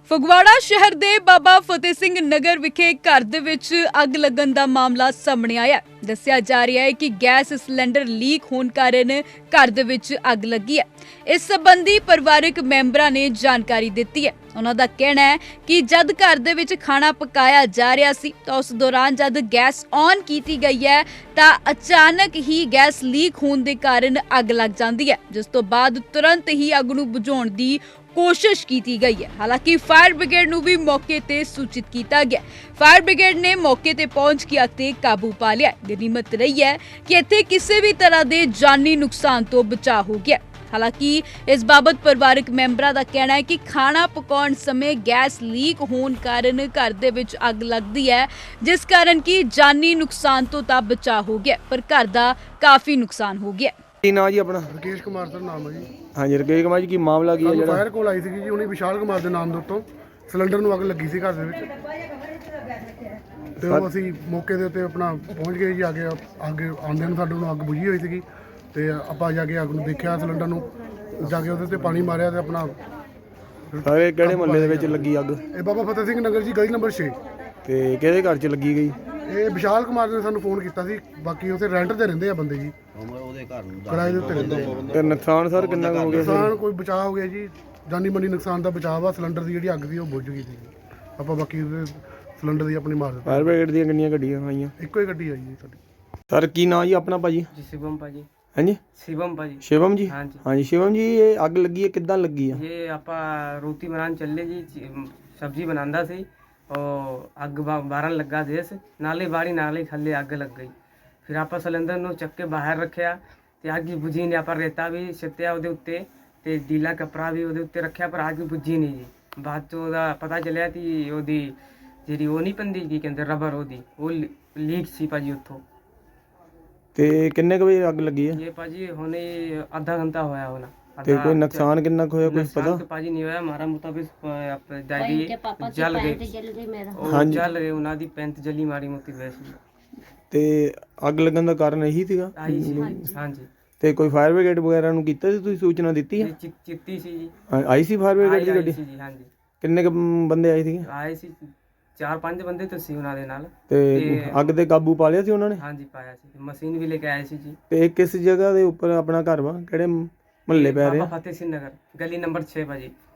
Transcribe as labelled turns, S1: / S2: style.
S1: ਫਗਵਾੜਾ ਸ਼ਹਿਰ ਦੇ ਬਾਬਾ ਫਤਿਹ ਸਿੰਘ ਨਗਰ ਵਿਖੇ ਘਰ ਦੇ ਵਿੱਚ ਅੱਗ ਲੱਗਣ ਦਾ ਮਾਮਲਾ ਸਾਹਮਣੇ ਆਇਆ। ਦੱਸਿਆ ਜਾ ਰਿਹਾ ਹੈ ਕਿ ਗੈਸ ਸਿਲੰਡਰ ਲੀਕ ਹੋਣ ਕਾਰਨ ਘਰ ਦੇ ਵਿੱਚ ਅੱਗ ਲੱਗੀ ਹੈ। ਇਸ ਸੰਬੰਧੀ ਪਰਿਵਾਰਕ ਮੈਂਬਰਾਂ ਨੇ ਜਾਣਕਾਰੀ ਦਿੱਤੀ ਹੈ। ਉਹਨਾਂ ਦਾ ਕਹਿਣਾ ਹੈ ਕਿ ਜਦ ਘਰ ਦੇ ਵਿੱਚ ਖਾਣਾ ਪਕਾਇਆ ਜਾ ਰਿਹਾ ਸੀ ਤਾਂ ਉਸ ਦੌਰਾਨ ਜਦ ਗੈਸ ਔਨ ਕੀਤੀ ਗਈ ਹੈ ਤਾਂ ਅਚਾਨਕ ਹੀ ਗੈਸ ਲੀਕ ਹੋਣ ਦੇ ਕਾਰਨ ਅੱਗ ਲੱਗ ਜਾਂਦੀ ਹੈ, ਜਿਸ ਤੋਂ ਬਾਅਦ ਤੁਰੰਤ ਹੀ ਅੱਗ ਨੂੰ ਬੁਝਾਉਣ ਦੀ ਕੋਸ਼ਿਸ਼ ਕੀਤੀ ਗਈ ਹੈ। ਹਾਲਾਂਕਿ ਫਾਇਰ ਬ੍ਰਿਗੇਡ ਨੂੰ ਵੀ ਮੌਕੇ ਤੇ ਸੂਚਿਤ ਕੀਤਾ ਗਿਆ। ਫਾਇਰ ਬ੍ਰਿਗੇਡ ਨੇ ਮੌਕੇ ਤੇ ਪਹੁੰਚ ਕੇ ਅੱਗ ਤੇ ਕਾਬੂ ਪਾ ਲਿਆ। ਗਨੀਮਤ ਰਹੀ ਹੈ ਕਿ ਇੱਥੇ ਕਿਸੇ ਵੀ ਤਰ੍ਹਾਂ ਦੇ ਜਾਨੀ ਨੁਕਸਾਨ ਤੋਂ ਬਚਾਅ ਹੋ ਗਿਆ। ਹਾਲਾਂਕਿ ਇਸ ਬਾਬਤ ਪਰਿਵਾਰਕ ਮੈਂਬਰਾਂ ਦਾ ਕਹਿਣਾ ਹੈ ਕਿ ਖਾਣਾ ਪਕਾਉਣ ਸਮੇਂ ਗੈਸ ਲੀਕ ਹੋਣ ਕਾਰਨ ਘਰ ਦੇ ਵਿੱਚ ਅੱਗ ਲੱਗਦੀ ਹੈ, ਜਿਸ ਕਾਰਨ ਕਿ ਜਾਨੀ ਨੁਕਸਾਨ ਤੋਂ ਤਾਂ ਬਚਾਅ ਹੋ ਗਿਆ, ਪਰ ਘਰ ਦਾ ਕਾਫੀ ਨੁਕਸਾਨ ਹੋ ਗਿਆ।
S2: ਕੀ ਨਾਂ ਜੀ ਆਪਣਾ?
S3: ਰਕੇਸ਼ ਕੁਮਾਰ ਸਰ ਨਾਮ ਹੈ ਜੀ।
S2: ਹਾਂਜੀ ਰਕੇਸ਼ ਕੁਮਾਰ ਜੀ, ਕੀ ਮਾਮਲਾ ਕੀ ਹੈ
S3: ਸਾਨੂੰ
S2: ਜਿਹੜਾ
S3: ਫਾਇਰ ਕੋਲ ਆਈ ਸੀਗੀ ਜੀ, ਉਹਨੇ ਵਿਸ਼ਾਲ ਕੁਮਾਰ ਦੇ ਨਾਮ ਦੇ ਉੱਤੋਂ ਸਿਲੰਡਰ ਨੂੰ ਅੱਗ ਲੱਗੀ ਸੀ ਘਰ ਦੇ ਵਿੱਚ, ਤੇ ਉਹ ਅਸੀਂ ਮੌਕੇ ਦੇ ਉੱਤੇ ਆਪਣਾ ਪਹੁੰਚ ਗਏ ਜੀ। ਅੱਗੇ ਆਉਂਦਿਆਂ ਨੂੰ ਸਾਡੇ ਨੂੰ ਅੱਗ ਬੁਝੀ ਹੋਈ ਸੀਗੀ, ਤੇ ਆਪਾਂ ਜਾ ਕੇ ਅੱਗ ਨੂੰ ਦੇਖਿਆ, ਸਿਲੰਡਰ ਨੂੰ ਜਾ ਕੇ ਉਹਦੇ ਉੱਤੇ ਪਾਣੀ ਮਾਰਿਆ ਤੇ ਆਪਣਾ।
S2: ਸਾਰੇ ਕਿਹੜੇ ਮੁਹੱਲੇ ਦੇ ਵਿੱਚ ਲੱਗੀ ਅੱਗ?
S3: ਇਹ ਬਾਬਾ ਫਤਿਹ ਸਿੰਘ ਨਗਰ ਜੀ, ਗਲੀ ਨੰਬਰ 6।
S2: ਤੇ ਕਿਹਦੇ ਘਰ 'ਚ ਲੱਗੀ ਗਈ?
S3: ਇਹ ਵਿਸ਼ਾਲ ਕੁਮਾਰ ਨੇ ਸਾਨੂੰ ਫੋਨ ਕੀਤਾ ਸੀ। ਬਾਕੀ ਉੱਥੇ ਰੈਂਟ ਤੇ ਰਹਿੰਦੇ ਆ ਬੰਦੇ ਜੀ, ਕਿਰਾਏ ਦੇ ਉੱਤੇ ਰਹਿੰਦੇ ਆ।
S2: ਤੇ ਨੁਕਸਾਨ ਸਰ ਕਿੰਨਾ ਕੁ ਹੋ ਗਿਆ?
S3: ਨੁਕਸਾਨ ਕੋਈ ਬਚਾਅ ਹੋ ਗਿਆ ਜੀ, ਜਾਨੀ ਮਾਲੀ ਨੁਕਸਾਨ ਦਾ ਬਚਾਅ ਵਾ। ਸਿਲੰਡਰ ਦੀ ਜਿਹੜੀ ਅੱਗ ਸੀ ਉਹ ਬੁਝ ਗਈ ਸੀ। ਆਪਾਂ ਬਾਕੀ ਉਹਦੇ ਸਿਲੰਡਰ ਦੀ ਆਪਣੀ ਮਾਰ ਦਿੱਤੀ।
S2: ਫਾਇਰ ਬ੍ਰਿਗੇਡ ਦੀਆਂ ਕਿੰਨੀਆਂ ਗੱਡੀਆਂ ਆਈਆਂ?
S3: ਇੱਕੋ ਹੀ ਗੱਡੀ ਆਈ ਜੀ ਸਾਡੀ।
S2: ਸਰ ਕੀ ਨਾਂ ਜੀ ਆਪਣਾ ਭਾਜੀ?
S4: जी शिवम भाजी।
S2: ਹਾਂਜੀ
S4: शिवम भाजी।
S2: ਸ਼ਿਵਮ ਜੀ?
S4: हाँ जी।
S2: ਹਾਂਜੀ ਸ਼ਿਵਮ ਜੀ, ਇਹ ਅੱਗ ਲੱਗੀ ਹੈ ਕਿੱਦਾਂ ਲੱਗੀ ਆ?
S4: ये आपा रोटी बनाने चले जी, सब्जी बनांदा सी और अग बारन लगा देस नाले बाड़ी नाले थल्ले अग लग गई। फिर आपा सिलेंडर ਨੂੰ ਚੱਕ ਕੇ ਬਾਹਰ ਰੱਖਿਆ ਤੇ ਅੱਗ ਬੁਝੀ ਨਹੀਂ। ਆਪਾਂ ਰੇਤਾ ਵੀ ਛਿੱਟਿਆ ਉਹਦੇ ਉੱਤੇ ਤੇ ਢੀਲਾ ਕੱਪੜਾ ਵੀ ਉਹਦੇ ਉੱਤੇ ਰੱਖਿਆ, ਪਰ ਅੱਗ ਬੁਝੀ ਨਹੀਂ ਜੀ। ਬਾਅਦ ਚ ਉਹਦਾ ਪਤਾ ਚੱਲਿਆ ਕਿ ਉਹਦੀ ਜਿਹੜੀ ਉਹ ਨਹੀਂ ਪੈਂਦੀ ਕੀ ਕਹਿੰਦੇ ਰਬਰ, ਉਹਦੀ ਉਹ ਲੀਕ ਸੀ ਭਾਜੀ ਉੱਥੋਂ।
S2: ਤੇ ਕਿੰਨੇ ਕੁ ਵਜੇ ਅੱਗ ਲੱਗੀ ਹੈ?
S4: ਇਹ ਭਾਜੀ ਹੁਣੇ ਆਧਾ ਘੰਟਾ ਹੋਇਆ ਹੋਣਾ।
S2: ਤੇ ਕੋਈ ਨੁਕਸਾਨ ਕਿੰਨਾ ਕੁ ਹੋਇਆ ਕੁਝ
S4: नुकसान
S2: ਪਤਾ?
S4: तो पाजी नहीं होया हमारा मुताबिक दादी जल गए।
S2: हाँ जी।
S4: जल गए, उन्हों दी पैंत जली मारी मोती वैसे
S2: ਤੇ ਅੱਗ ਲੱਗਣ ਦਾ ਕਾਰਨ ਇਹੀ ਸੀਗਾ?
S4: आई सी। हाँ जी।
S2: ਤੇ ਕੋਈ ਫਾਇਰ ਬ੍ਰਿਗੇਡ ਵਗੈਰਾ ਨੂੰ ਕੀਤਾ ਸੀ, ਤੁਸੀਂ ਸੂਚਨਾ ਦਿੱਤੀ ਹੈ?
S4: ये चित्ती सी जी।
S2: ਆਈ ਸੀ ਫਾਇਰ ਬ੍ਰਿਗੇਡ ਦੀ
S4: आई
S2: ਗੱਡੀ?
S4: सी जी। हाँ जी।
S2: ਕਿੰਨੇ ਕੁ ਬੰਦੇ ਆਏ ਸੀਗੇ?
S4: आए सी 4-5 बंदे तो सी उन्होंने नाल।
S2: ਤੇ ਅੱਗ ਤੇ ਕਾਬੂ ਪਾ ਲਿਆ ਸੀ ਉਹਨਾਂ ਨੇ?
S4: हाँ जी पाया सी, मशीन भी लेके आए सी जी।
S2: ਤੇ ਇਹ ਕਿਸ ਜਗ੍ਹਾ ਦੇ ਉੱਪਰ ਆਪਣਾ ਘਰ ਵਾ? ਕਿਹੜੇ ਮੁਹੱਲੇ ਪੈ ਰਿਹਾ?
S4: बाबा फतेह सिंह नगर, गली नंबर 6 भाजी।